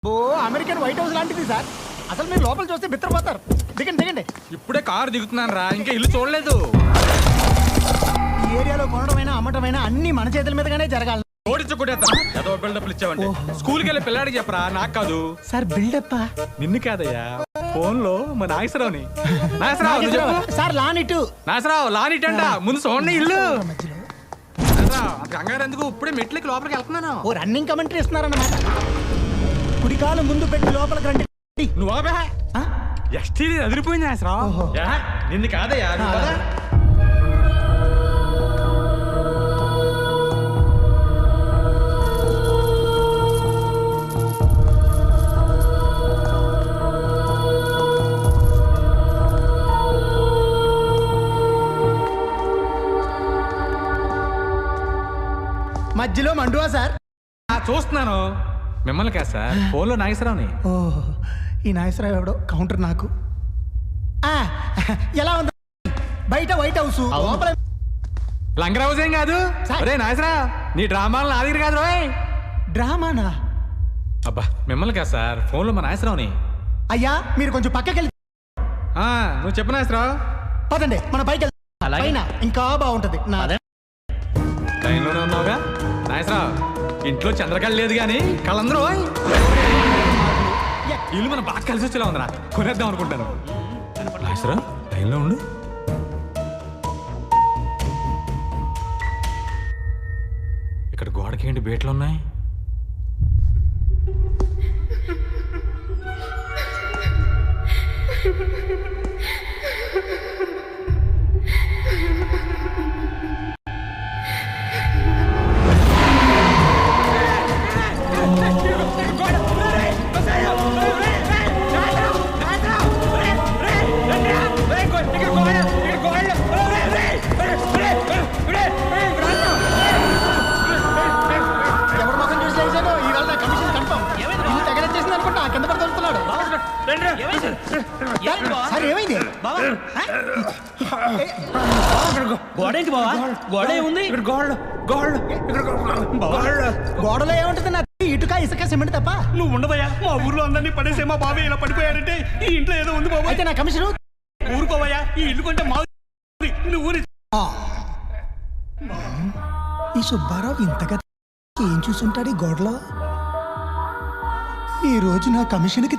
ఓ American White House లాంటిది sir. అసలు మీరు లోపల చూస్తే బిత్తరపోతారు. దిగండి దిగండి. ఇప్పుడే కారు దిగుతున్నాను రా, ఇంకా ఇల్లు చూడలేదు. ఈ ఏరియాలో కొనడమైనా అమ్మటమైనా అన్ని మన చేతుల మీదగానే జరగాలి. ఏదో బిల్డప్లు ఇచ్చావంటే స్కూల్కి వెళ్ళి పిల్లాడికి చెప్పరా, నాకు కాదు. సార్ బిల్డప్ నిన్ను కాదయ్యా, ఫోన్ లో మా నాగేశ్వరరావుని. నాగేశ్వరరావు సార్ లానిటు నాగేశ్వరరావు లానిట్ అంట. ముందు చూడండి ఇల్లు. కంగారు ఎందుకు, ఇప్పుడే మెట్లకి లోపలికి వెళ్తున్నాను. ఓ రన్నింగ్ కమెంటరీ ఇస్తున్నారన్నమాట. కుడికాలు ముందు పెట్టి లోపలికి రండి. నువ్వు ఎస్టీ అదిరిపోయింది నాగేశ్వరరావు. నిన్ను కాదయ్యా, నువ్వు కదా. మధ్యలో మండువా సార్? చూస్తున్నాను. మిమ్మల్ని కాదు సార్, ఫోన్ లో నాగేశ్వరరావుని. ఓ ఈ నాగేశ్వరరావు ఎవడో కౌంటర్ నాకు. ఎలా ఉంది బయట వైట్ హౌస్, లోపల లంగర్ హౌస్ ఏం కాదు. అరే నాగేశ్వరరావు, నీ డ్రామాలు నా దగ్గర కాదు రోయ్. డ్రామానా? అబ్బా మిమ్మల్ని కాదు సార్, ఫోన్ లో మా నాగేశ్వరరావుని. అయ్యా మీరు కొంచెం పక్కకెళ్ళి. నువ్వు చెప్పు నాగేశ్వరరావు. పదండి మన పైకి పైన ఇంకా బాగుంటది. లైన్లోనే ఉన్నావుగా నాగేశ్వరరావు. ఇంట్లో చంద్రకళ లేదు కానీ కళ్ళందరూ ఇల్లు మనం బాగా కలిసి వచ్చేలా ఉందిరా, కొనేద్దాం అనుకుంటాను. నాగేశ్వరరావు లైన్లో ఉండు. ఇక్కడ గోడకి ఏంటి బేట్లు ఉన్నాయి? గోడేంటి బావా? గోడ ఏముంది? గోడలో ఏముంటుంది? నా ఇటుక ఇసుక సిమెంట్ తప్ప. నువ్వు ఉండవయ్యా, మా ఊర్లో అందరినీ పడేసే మా బాబాయ్ ఇలా పడిపోయాడంటే ఈ ఇంట్లో ఏదో ఉంది బాబా. అయితే నా కమిషన్ ఊరుకోవయ్యా, ఈ ఇల్లు కొంటే మా నువ్వు ఊరి. ఈ సుబ్బారావు ఇంతగా ఏం చూసుంటాడు ఈ గోడలో? ఈ రోజు నా కమిషన్కి.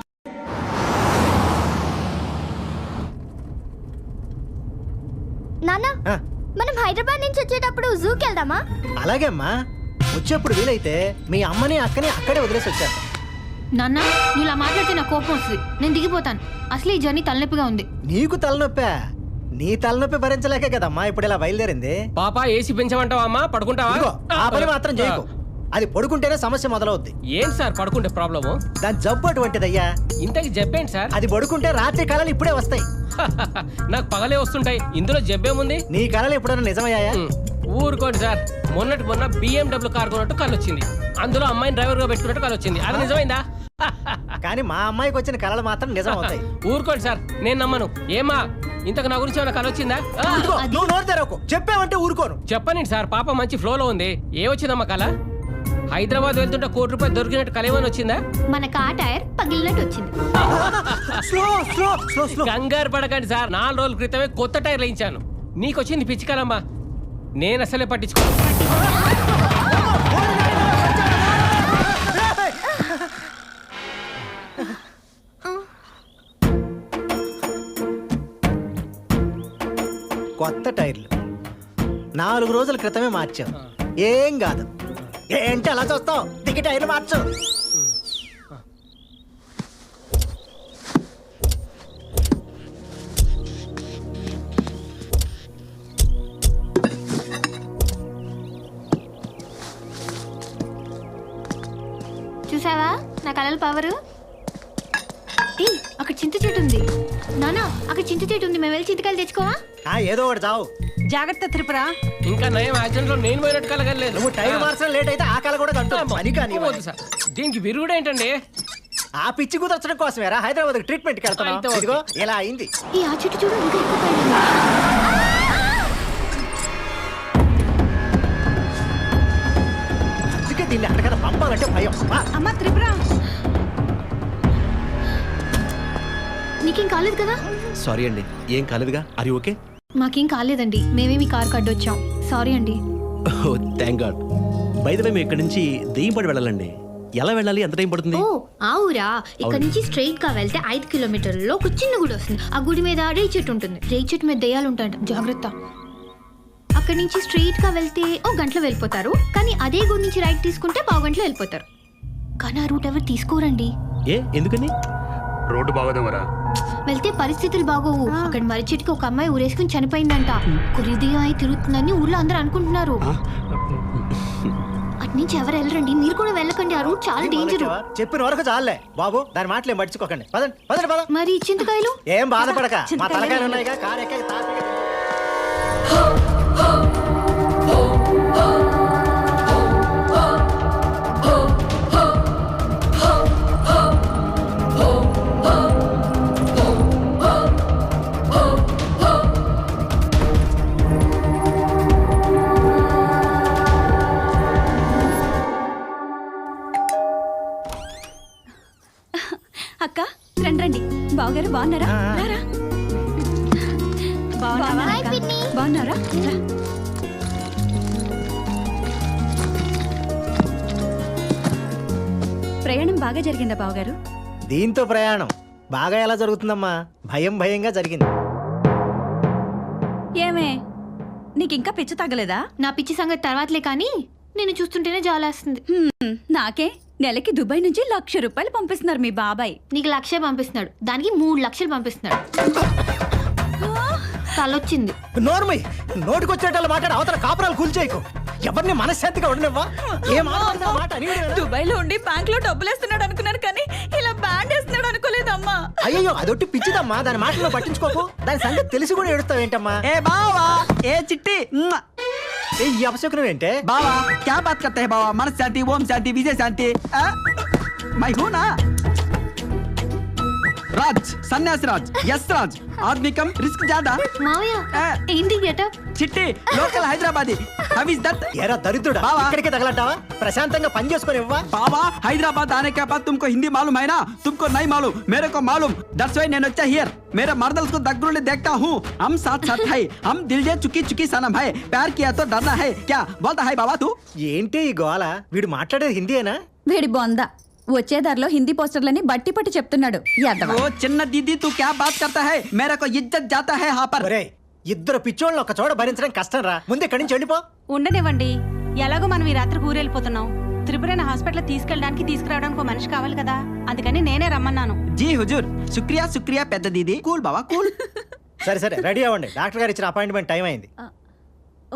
నాన్న, మనం హైదరాబాద్ నుంచి వచ్చేటప్పుడు జూకి వెళ్దామా? అలాగే అమ్మా, వచ్చేప్పుడు వీలైతే మీ అమ్మని అక్కని అక్కడే వదిలేసి వచ్చారు. నాన్న నువ్వు ఇలా మాట్లాడితే నాకు కోపం వస్తుంది. నేను దిగిపోతాను. అసలు ఈ జర్నీ తలనొప్పిగా ఉంది. నీకు తలనొప్పా? నీ తలనొప్పి భరించలేకే కదమ్మా ఇప్పుడు ఇలా బయలుదేరింది. పాప ఏసీ పెంచమంటావా అమ్మా? పడుకుంటావా? ఇదిగో, ఆ పని మాత్రం చేయకు. అది పడుకుంటేనే సమస్య మొదలవుద్ది. ఏంటి సార్ పడుకుంటే ప్రాబ్లము? దాని జబ్బు అటువంటిదయ్యా. ఇంతకి జబ్బేంటి సార్? అది పడుకుంటే రాత్రి కళలు ఇప్పుడే వస్తాయి. నాకు పగలే వస్తుంటాయి, ఇందులో జబ్బేముంది? నీ కళలు ఎప్పుడైనా నిజమయ్యాయా? ఊరుకోండి సార్, మొన్నటి మొన్న BMW కార్ కొన్నట్టు కళ్ళు వచ్చింది. అందులో అమ్మాయిని డ్రైవర్ గా పెట్టుకున్నట్టు కళ్ళు వచ్చింది. అది నిజమైందా? కానీ మా అమ్మాయికి వచ్చిన కళలు మాత్రం నిజం అవుతాయి. ఊరుకోండి సార్, నేను నమ్మను. ఏమా ఇంతకు నా గురించి ఏమైనా కళ వచ్చిందా? నువ్వు నోరు తెరవకు, చెప్పావంటే ఊరుకోను. చెప్పనండి సార్, పాప మంచి ఫ్లోలో ఉంది. ఏ వచ్చిందమ్మా కళ? హైదరాబాద్ వెళ్తుంటే ₹1 దొరికినట్టు కళ ఏమైనా వచ్చిందా? మన కార్ టైర్ పగిలినట్టు వచ్చింది. కంగారు పడకండి సార్, 4 రోజుల క్రితమే కొత్త టైర్ వేయించాను. నీకు వచ్చింది పిచ్చి కలమ్మా, నేను అసలే పట్టించుకోను. కొత్త టైర్లు 4 రోజుల క్రితమే మార్చాం. ఏం కాదు. ఏంటి అలా చూస్తావు? దిగి టైర్లు మార్చు. చూసావా నా కళల పవరు? అక్కడ చింత చెట్టు ఉంది. నానా అక్కడ చింత చెట్టు ఉంది, మేము వెళ్ళి చింతకాయలు తెచ్చుకోవా? ఏదో ఒకటి చావు. జాగ్రత్త త్రిపుర. ఇంకా నయం యాక్సిడెంట్ లో నేను పోయినట్టు కలగలేదు. నువ్వు టైర్ మార్చడం లేట్ అయితే ఆ కళ కూడా సార్. దీనికి విరుగుడు ఏంటండి? ఆ పిచ్చి కుదర్చడం కోసమేరా హైదరాబాద్ ట్రీట్మెంట్కి వెళ్తాను. ఇదిగో ఇలా అయింది. ఈ ఆ చెట్టు చూడు, ఇంకా ఎక్కువ పైన. అందుకే దీన్ని అక్కడికన్నా పంపాలంటే భయం. అమ్మ త్రిపుర, మీకేం కాలేదు కదా? సారీ అండి, ఏం కాలేదుగా. అరి ఓకే? మాకేం కాలేదండి, మేమే మీ కార్ కడ్డు వచ్చాం. సారీ అండి. Oh thank god. By the way మేము ఇక్కడ నుంచి దెయ్యంపడి వెళ్ళాలండి. ఎలా వెళ్ళాలి? ఎంత టైం పడుతుంది? ఓ ఆ ఊరా? ఇక్కడ నుంచి స్ట్రైట్ గా వెళ్తే 5 కిలోమీటర్లలో ఒక చిన్న గుడి వస్తుంది. ఆ గుడి మీద రేయి చెట్టు ఉంటుంది. రేయి చెట్టు మీద దెయ్యాలు ఉంటాయంట, జాగ్రత్త. అక్కడ నుంచి స్ట్రైట్ గా వెళ్తే ఓ గంటలో వెళ్ళిపోతారు. కానీ అదే గుడి నుంచి రైట్ తీసుకుంటే పావు గంటలో వెళ్ళిపోతారు. కానీ ఆ రూట్ ఎవరు తీసుకోరండి. ఏ ఎందుకని? రోడ్డు బాగోదేవరా? వెళ్తే పరిస్థితులు బాగోవు. అక్కడ మర్రి చెట్టుకి ఒక అమ్మాయి ఊరేసుకుని చనిపోయిందంట. కురిదిగా అయి తిరుగుతుందని ఊర్లో అందరూ అనుకుంటున్నారు. అటు నుంచి ఎవరు వెళ్ళరండి, మీరు కూడా వెళ్ళకండి. ఆ రూట్ చాలా డేంజర్. చెప్పిన వరకు చాలే బాబు, దాని మాటలు ఏం పట్టించుకోకండి. పదండి పదండి పద. మరి చింతకాయలు? ఏం బాధపడక, మా తలకాయలు ఉన్నాయిగా. కారు ఎక్కాక తాపీగా. అక్క రండి. బావగారు బాగున్నారా? రారా. హాయ్ పిన్ని. బాగున్నారా? రా. ప్రయాణం బాగా జరిగిందా బావగారు? దీంతో ప్రయాణం బాగా ఎలా జరుగుతుందమ్మా? భయంగా జరిగింది. ఏమే నీకింకా పిచ్చి తగ్గలేదా? నా పిచ్చి సంగతి తర్వాతలే, కానీ నేను చూస్తుంటేనే జాలేస్తుంది. నాకే నెలకి దుబాయ్ నుంచి ₹1,00,000 పంపిస్తున్నారు మీ బాబాయ్. నీకు 1,00,000 పంపిస్తున్నాడు, దానికి 3 లక్షలు పంపిస్తున్నాడు. తలొచ్చింది. నోర్మై, నోటికొచ్చేటట్లు మాట్లాడి అవతల కాపురాలు కూల్చేయకు. ఎవరిని మనశ్శాంతిగా ఉండనివ్వా. ఏ మాట అని దుబాయ్ లో ఉండి బ్యాంక్ లో డబ్బులు వేస్తున్నాడు అనుకున్నాను, కానీ ఇలా బ్యాండ్ వేస్తున్నాడు అనుకోలేదమ్మా. అయ్యో అదొట్టి పిచ్చిదమ్మా, దాని మాటలో పట్టించుకోకు. దాని సంగతి తెలిసి కూడా ఏడుస్తావేంటమ్మా? ए बाबा ए चिट्टी ఏ ఈ అపశకునం ఏంటే? बाबा क्या बात करते हैं बाबा? मन शांति, ओम शांति, विजय शांति। मैं हूँ ना राज, सन्यासी राज, यस राज। आदमी कम, रिस्क ज्यादा। మావయ్య ఏంటి గెటప్? Chitti local Hyderabadi. How is that? ఏరా దరిద్రుడా, బావా. ఇక్కడికే తగలడ్డావా? ప్రశాంతంగా పని చేసుకొని ఇవ్వా. बाबा हैदराबाद आने के बाद तुमको हिंदी मालूम है ना? तुमको नहीं मालूम, मेरे को मालूम। दैट्स व्हाई నేను వచ్చా हियर। मेरे मर्दल्स को दगड़ूले देखता हूँ। हम साथ साथ है, हम दिल जे चुकी चुकी सनम है। प्यार किया तो डरना है क्या? बोलता है बाबा तू। ఏంటి ఈ గోల? వీడు మాట్లాడేది హిందీయేనా? వేడి బొంద వచ్చే దారిలో హిందీ పోస్టర్లని బట్టి పట్టి చెప్తున్నాడు. యాదవ. ओ चिन्न दीदी तू क्या बात करता है? मेरे को इज्जत जाता है यहाँ पर। ఒరేయ్, ఇద్దరు పిచ్చోళ్ళని ఒక చోట భరించడం కష్టం రా. ముందు ఇక్కడి నుంచి వెళ్ళిపో. ఉండనివ్వండి. ఎలాగో మనం ఈ రాత్రికి ఊరెళ్ళిపోతున్నాం. త్రిపురని హాస్పిటల్ తీసుకెళ్ళడానికి తీసుకురావడానికి ఒక మనిషి కావాలి కదా, అందుకని నేనే రమ్మన్నాను. जी हुजूर, शुक्रिया शुक्रिया పెద్ద దీది. కూల్ బావా కూల్. సరే సరే, రెడీ అవ్వండి. డాక్టర్ గారు ఇచ్చిన అపాయింట్మెంట్ టైం అయింది. ఓ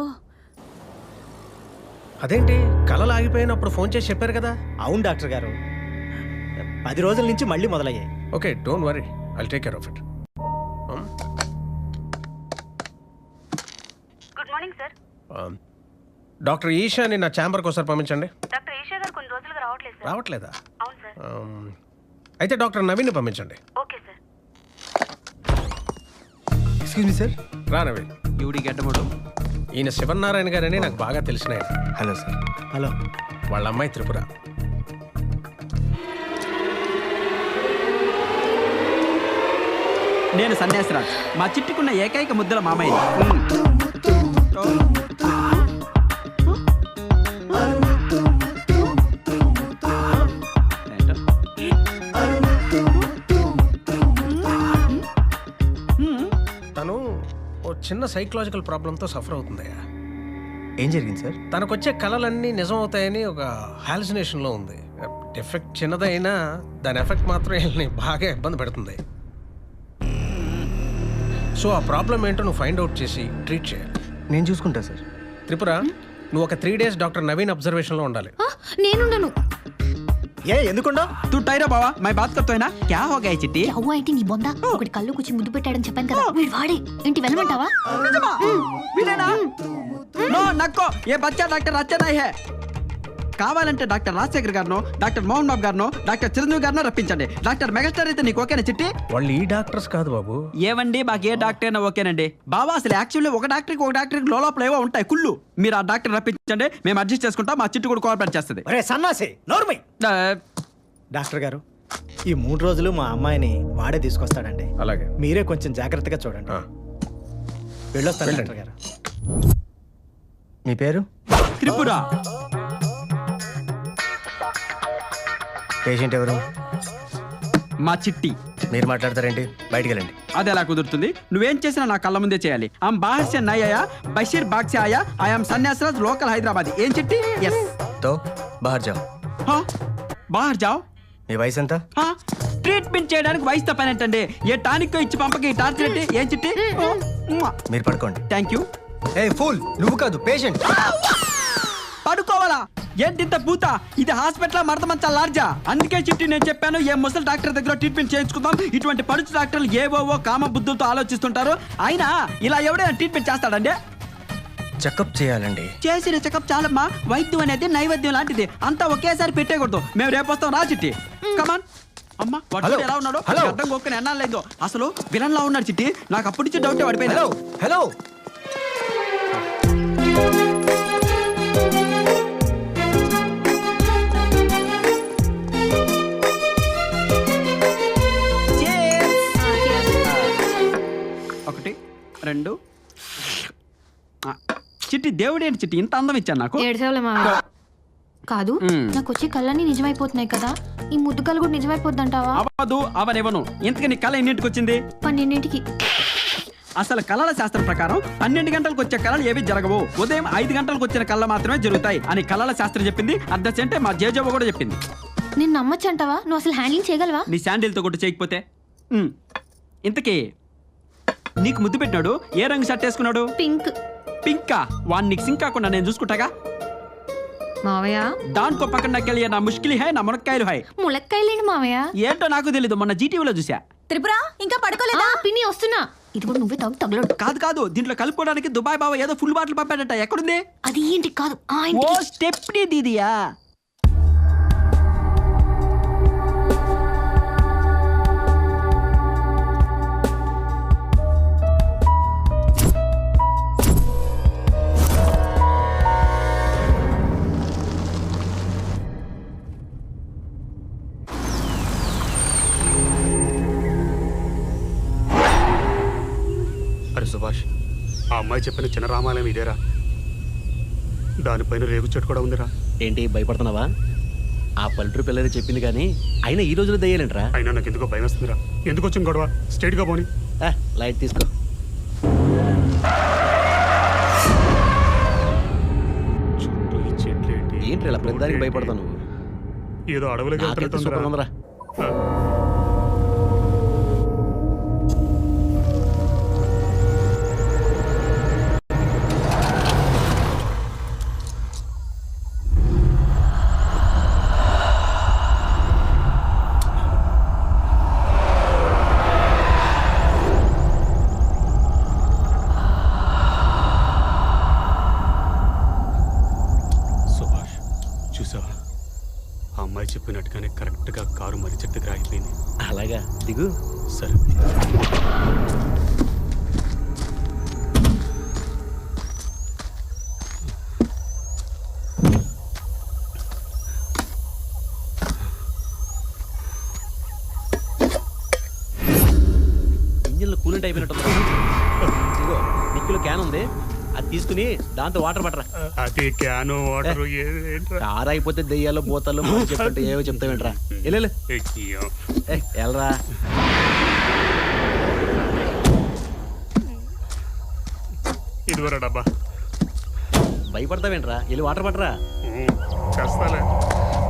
అదేంటి కళలు ఆగిపోయినప్పుడు ఫోన్ చేసి చెప్పారు కదా? అవును డాక్టర్ గారు, 10 రోజుల నుంచి మళ్ళీ మొదలయ్యాయి. Okay, don't worry, I'll take care of it. Good morning sir. Doctor ఈషాని నా ఛాంబర్కి ఒకసారి పంపించండి. డాక్టర్ ఈషా గారు కొన్ని రోజులుగా రావట్లేదు సార్. రావట్లేదా? అవును సార్. అయితే డాక్టర్ నవీన్ని పంపించండి. Okay sir. Excuse me sir. రా నవీన్. యూడి గడ్డముడు. ఈయన శివనారాయణ గారని నాకు బాగా తెలిసిన ఆయన. Hello sir. హలో. వాళ్ళ అమ్మాయి త్రిపుర. నేను సన్యాసిరాజ్, మా చిట్టుకున్న ఏకైక ముద్దల మామయ్య. తను ఓ చిన్న సైకలాజికల్ ప్రాబ్లంతో సఫర్ అవుతుందయ్యా. ఏం జరిగింది సార్? తనకొచ్చే కళలన్నీ నిజం అవుతాయని ఒక హాలుసినేషన్లో ఉంది. ఎఫెక్ట్ చిన్నదైనా దాని ఎఫెక్ట్ మాత్రం వీళ్ళని బాగా ఇబ్బంది పెడుతుంది. సో ఆ ప్రాబ్లం ఏంటో నువ్వు ఫైండ్ అవుట్ చేసి ట్రీట్ చేయాలి. నేను చూసుకుంటా సార్. త్రిపుర, నువ్వు ఒక 3 days డాక్టర్ నవీన్ అబ్జర్వేషన్లో ఉండాలి. నేనుండను. ఏ ఎందుకుండా? तू टायरो बाबा, मैं बात करता है ना. क्या हो गया चिट्टी? అవ్వ అయితే నీ బొంద ఒకటి కళ్ళు కూర్చి ముద్దు పెట్టాడని చెప్పాను కదా, వీడు వాడే. ఏంటి వెళ్ళమంటావా? విలేనా? నో నక్కో, ఏ బచ్చా డాక్టర్ అచ్చా नहीं है. కావాలంటే డాక్టర్ రాజశేఖర్ గారినో, డాక్టర్ మోహన్ బాబు గారినో, డాక్టర్ చిరంజీవి గారినో రప్పించండి. డాక్టర్ మెగాస్టార్ అయితే నీకు ఓకేనా చిట్టి? వాళ్ళు ఈ డాక్టర్స్ కాదు బాబు. ఏవండి, మాకు ఏ డాక్టర్ అయినా ఓకేనండి. బాబా అసలు యాక్చువల్లీ ఒక డాక్టర్కి లోపల ఏవో ఉంటాయి కుళ్ళు. మీరు ఆ డాక్టర్ రప్పించండి, మేము అడ్జస్ట్ చేసుకుంటాం. మా చిట్టు కూడా కోఆపరేట్ చేస్తుంది. ఒరే సన్నాసి, నోర్మై. డాక్టర్ గారు, ఈ 3 రోజులు మా అమ్మాయిని వాడే తీసుకొస్తాడండి. అలాగే. మీరే కొంచెం జాగ్రత్తగా చూడండి. ఆ. వెళ్ళొస్తాను వెళ్ళండి. డాక్టర్ గారు. మీ పేరు? త్రిపుర. పేషెంట్ ఎవరు? మా చిట్టి. మీరు మాట్లాడతారేంటి? బయటికి వెళ్ళండి. అది ఎలా కుదురుతుంది? నువ్వేం చేసినా నా కళ్ళ ముందే చేయాలి. ఆమ్ బాహర్ సే నై ఆయా, బషీర్ బాగ్ సే ఆయా, ఐఎమ్ సన్యాసరాజ్, లోకల్ హైదరాబాద్. ఏం చిట్టి? ఎస్. తో బాహర్ జాओ. బాహర్ జాओ. మీ వయసు ఎంత? ట్రీట్మెంట్ చేయడానికి వయసుతో పని ఏంటండి? ఏ టానిక్ ఇచ్చి పంపకి టార్చర్ ఏంటి? ఏం చిట్టి? మీరు పడుకోండి. Thank you. ఏ ఫూల్, నువ్వు కాదు పేషెంట్. పడుకోవాలా? ఏంటింత పూత? ఇది హాస్పిటల్ మడత మంచా లార్జా? అందుకే చిట్టి నేను చెప్పాను, ఏ ముసలి డాక్టర్ దగ్గర ట్రీట్మెంట్ చేయించుకుందాం. ఇటువంటి పడుచు డాక్టర్లు ఏవోవో కామ బుద్ధులతో ఆలోచిస్తుంటారు. అయినా ఇలా ఎవడైనా ట్రీట్మెంట్ చేస్తాడండి? చెకప్ చేయాలండి. చేసిన చెకప్ చాలమ్మా. వైద్యం అనేది నైవేద్యం లాంటిది. అంతా ఒకేసారి పెట్టేయకూడదు. మేము రేపు వస్తాం, రా చిట్టి. కమాన్. అమ్మా వాడు ఎలా ఉన్నాడు? అర్థం కొక్కని ఎన్నాళ్ళు లేదో. అసలు విలన్ లా ఉన్నాడు చిట్టి. నాకు అప్పటి నుంచి డౌట్ పడిపోయింది. Hello hello. ఒకటి, రెండు. చిట్టి దేవుడేంటి చిట్టి ఇంత అందం ఇచ్చాను నాకు? ఏడ్చేవాళ్ళ మావయ్య. కాదు, నాకు వచ్చే కళ్ళన్నీ నిజమైపోతున్నాయి కదా, ఈ ముద్దు కళ్ళు కూడా నిజమైపోద్దంటావా? అవ్వదు, అవనివ్వను. ఇంతకీ నీ కళ ఎన్నింటికి వచ్చింది? 12ంటికి. అసలు కళల శాస్త్రం ప్రకారం 12 గంటలకు వచ్చే కళలు ఏవి జరగవు. ఉదయం 5 గంటలకు వచ్చిన కళ మాత్రమే జరుగుతాయి అని కళల శాస్త్రం చెప్పింది. అద్దసంటే మా జేజవ్వ కూడా చెప్పింది. నేను నమ్మచ్చంటావా? నువ్వు అసలు హ్యాండ్లింగ్ చేయగలవా? నీ శాండిల్తో కొట్టు చేయకపోతే. ఇంతకీ నీకు ముద్దు పెట్టినాడు ఏ రంగు షర్ట్ వేసుకున్నాడు? పింక్. పింకా? వాడిని నీకు సింక్ కాకుండా నేను చూసుకుంటాగా. మావయ్య దానికో పక్కన నాకెళ్ళి నా ముష్కిలి హై, నా మునక్కాయలు హై. ములక్కాయలేండి మావయ్య. ఏంటో నాకు తెలీదు, మొన్న జీటీవీలో చూసా. త్రిపుర ఇంకా పడుకోలేదా? పిన్ని వస్తున్నా. ఇది కూడా నువ్వే తగలడు. కాదు, దీంట్లో కలుపుకోవడానికి దుబాయ్ బావ ఏదో ఫుల్ బాటిల్ పంపాడట. ఎక్కడుంది? అది ఏంటి కాదు, ఓ స్టెప్నీ దీదియా. అరే సుభాష్, ఆ అమ్మాయి చెప్పిన చిన్న రామాలయం ఇదేరా? దానిపైన రేగు చెట్టు కూడా ఉందిరా. ఏంటి భయపడుతున్నావా? ఆ పల్లెటూరు పిల్లలు చెప్పింది కానీ అయినా ఈ రోజులో దయ్యాలంటరా. అయినా నాకు ఎందుకో భయం వస్తుందిరా. ఎందుకు వచ్చింది గొడవ? స్ట్రైట్గా పోని. లైట్ తీసుకో. చుట్టూ ఈ చెట్లు ఏంటి? ఏంటి ఇలా ప్రతిదానికి భయపడతావు నువ్వు? ఏదో అడవులకి నాకైతే సూపర్ ఉందిరా. సుభాష్ చూసావా? ఆ అమ్మాయి చెప్పినట్టుగానే కరెక్ట్గా కారు మరి చెట్టు దగ్గర ఆగిపోయింది. అలాగా, దిగు. సరే. ఇంజిన్లో కూలింగ్ అయిపోయినట్టు. ఇదిగో నిక్కులో క్యాన్ ఉంది, అది తీసుకుని దాంతో వాటర్ పట్టరా. అది క్యాను వాటర్ కారు అయిపోతే దెయ్యాలు బోతలు చెప్పంటే ఏవో చెప్తావేంట్రా. వెళ్ళు వెళ్ళరా. ఇదివరా డబ్బా. భయపడతావేంట్రా, వెళ్ళి వాటర్ పట్టరా. చేస్తాలే.